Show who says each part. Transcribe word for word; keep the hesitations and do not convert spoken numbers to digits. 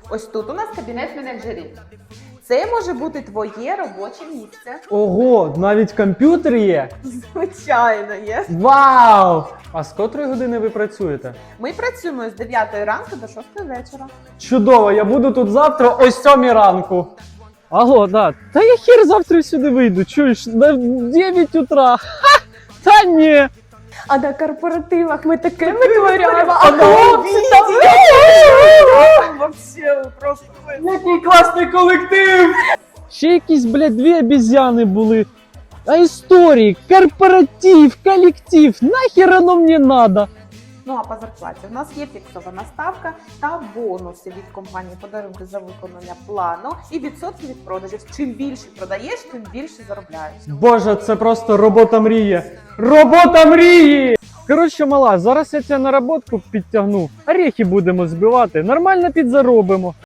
Speaker 1: Ось тут у нас кабінет менеджерів. Це може бути твоє робоче місце.
Speaker 2: Ого, навіть комп'ютер є?
Speaker 1: Звичайно, є.
Speaker 2: Вау! А з котрої години ви працюєте?
Speaker 1: Ми працюємо з дев'ятої ранку до шостої вечора.
Speaker 2: Чудово, я буду тут завтра о сьомій ранку. Алло, да. Та я хер завтра сюди вийду, чуєш, на дев'ять утра. Ха! Та ні.
Speaker 3: А на корпоративах ми таке витворяємо, а
Speaker 1: А на
Speaker 3: хлопці там...
Speaker 1: Вообще, просто...
Speaker 2: Який класний колектив! Ще якісь, блядь, дві обіз'яни були. А історії, корпоратив, колектив, нахер оно мені надо?
Speaker 1: Ну а по зарплаті у нас є фіксована ставка та бонуси від компанії, подарунки за виконання плану і відсотки від продажів. Чим більше продаєш, тим більше заробляєш.
Speaker 2: Боже, це просто робота мрії. Робота мрії! Коротше, мала, зараз я тебе на роботку підтягну. Орехи будемо збивати, нормально підзаробимо.